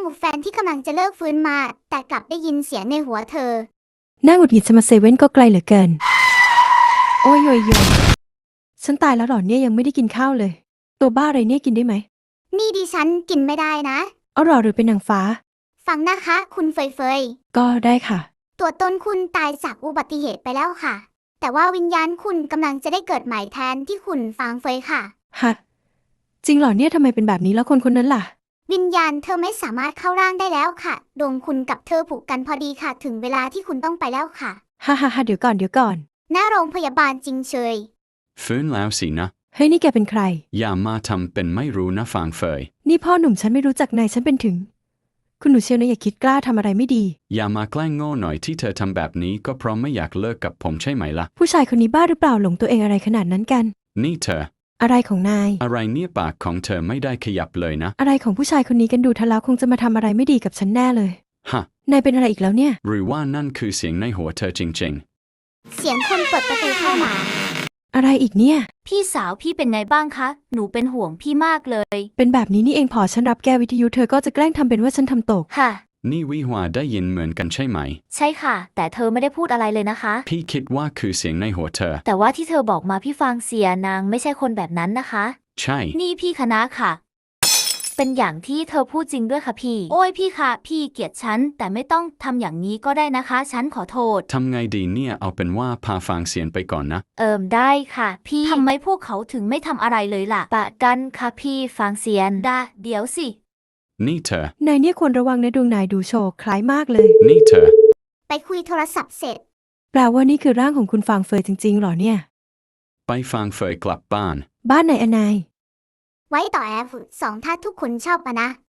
แฟนที่กำลังจะเลิกฟื้นมาแต่กลับได้ยินเสียงในหัวเธอน่าหงุดหงิดจะมาเซเว่นก็ไกลเหลือเกินโอ้ยโยยโยฉันตายแล้วหรอเนี่ยยังไม่ได้กินข้าวเลยตัวบ้าอะไรเนี่ยกินได้ไหมนี่ดิฉันกินไม่ได้นะเอาหรอหรือเป็นนางฟ้าฟังนะคะคุณเฟยก็ได้ค่ะตัวตนคุณตายจากอุบัติเหตุไปแล้วค่ะแต่ว่าวิญญาณคุณกำลังจะได้เกิดใหม่แทนที่คุณฟังเฟยค่ะฮะจริงเหรอเนี่ยทำไมเป็นแบบนี้แล้วคนคนนั้นล่ะวิญญาณเธอไม่สามารถเข้าร่างได้แล้วค่ะดวงคุณกับเธอผูกกันพอดีค่ะถึงเวลาที่คุณต้องไปแล้วค่ะฮ่าเดี๋ยวก่อนหน้าโรงพยาบาลจริงเชยฟื้นแล้วสินะเฮ้ยนี่แกเป็นใครอย่ามาทำเป็นไม่รู้นะฟางเฟยนี่พ่อหนุ่มฉันไม่รู้จักนายฉันเป็นถึงคุณหนูเชียวนะอย่าคิดกล้าทำอะไรไม่ดีอย่ามาแกล้งโง่หน่อยที่เธอทำแบบนี้ก็เพราะไม่อยากเลิกกับผมใช่ไหมล่ะผู้ชายคนนี้บ้าหรือเปล่าหลงตัวเองอะไรขนาดนั้นกันนี่เธออะไรของนายอะไรเนี่ยปากของเธอไม่ได้ขยับเลยนะอะไรของผู้ชายคนนี้กันดูทะเลาะคงจะมาทำอะไรไม่ดีกับฉันแน่เลยฮะนายเป็นอะไรอีกแล้วเนี่ยหรือว่านั่นคือเสียงในหัวเธอจริงเสียงคนเปิดประตูเข้ามาอะไรอีกเนี่ยพี่สาวพี่เป็นไงบ้างคะหนูเป็นห่วงพี่มากเลยเป็นแบบนี้นี่เองพอฉันรับแก้วิทยุเธอก็จะแกล้งทำเป็นว่าฉันทำตกค่ะๆนี่วิหวาได้ยินเหมือนกันใช่ไหมใช่ค่ะแต่เธอไม่ได้พูดอะไรเลยนะคะพี่คิดว่าคือเสียงในหัวเธอแต่ว่าที่เธอบอกมาพี่ฟังเสียนางไม่ใช่คนแบบนั้นนะคะใช่นี่พี่คณะค่ะเป็นอย่างที่เธอพูดจริงด้วยค่ะพี่โอ้ยพี่คะพี่เกลียดฉันแต่ไม่ต้องทำอย่างนี้ก็ได้นะคะฉันขอโทษทำไงดีเนี่ยเอาเป็นว่าพาฟางเสียนไปก่อนนะได้ค่ะพี่ทำไมพวกเขาถึงไม่ทำอะไรเลยล่ะปะกันค่ะพี่ฟังเสียนเดี๋ยวสินี่เธอนายเนี่ยควรระวังนะดวงนายดูโชว์คล้ายมากเลยนี่เธอไปคุยโทรศัพท์เสร็จแปลว่านี่คือร่างของคุณฟางเฟยจริงๆหรอเนี่ยไปฟางเฟยกลับบ้านบ้านไหนอนายไว้ต่อF2ถ้าทุกคนชอบนะ